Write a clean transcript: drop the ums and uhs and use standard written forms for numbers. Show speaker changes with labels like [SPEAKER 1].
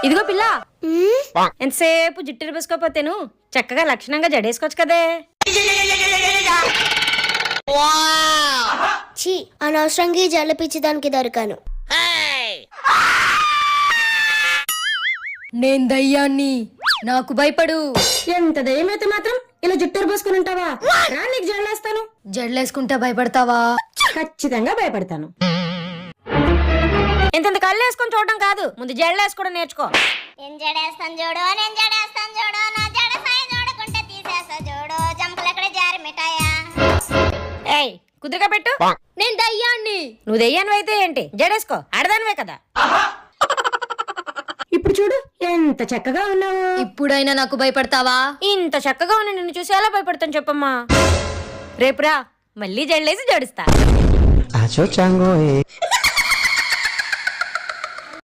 [SPEAKER 1] ఇదిగో పిల్ల, ఎంతసేపు జుట్టు వేసుకోపోతేను చక్కగా లక్షణంగా జడేసుకోవచ్చు కదే.
[SPEAKER 2] ఛీ, అనవసరంగా జల్ల పిచ్చిదానికి దొరికాను.
[SPEAKER 1] నేను దయ్యాన్ని, నాకు భయపడు. ఎంత దయ్యమైతే మాత్రం ఇలా జుట్టు పోసుకుని ఉంటావా? రా, నీకు జడలేస్తాను. జడలేసుకుంటా భయపడతావా? ఖచ్చితంగా భయపడతాను. ఇంత కళ్ళు వేసుకొని చూడడం కాదు, ముందు జడలేసుకోవడం నేర్చుకో.
[SPEAKER 2] నేను జడేస్తాను చూడు, నేను జడేస్తాను చూడు, నా జడ సాయి చూడకుంటే తీసేస్తా చూడు, జంపలు ఎక్కడ జారి మిఠాయా.
[SPEAKER 1] ఏయ్, కుదురుగా పెట్టు. నేను దయ్యాన్ని. నువ్వు దయ్యాన్ని అయితే ఏంటి, జడేసుకో, ఆడదానివే కదా. ఇప్పుడు చూడు ఎంత చక్కగా ఉన్నావు. ఇప్పుడైనా నాకు భయపడతావా? ఇంత చక్కగా ఉన్న నిన్ను చూసి ఎలా భయపడతాను చెప్పమ్మా. రేపురా, మళ్ళీ జడలేసి జడుస్తా.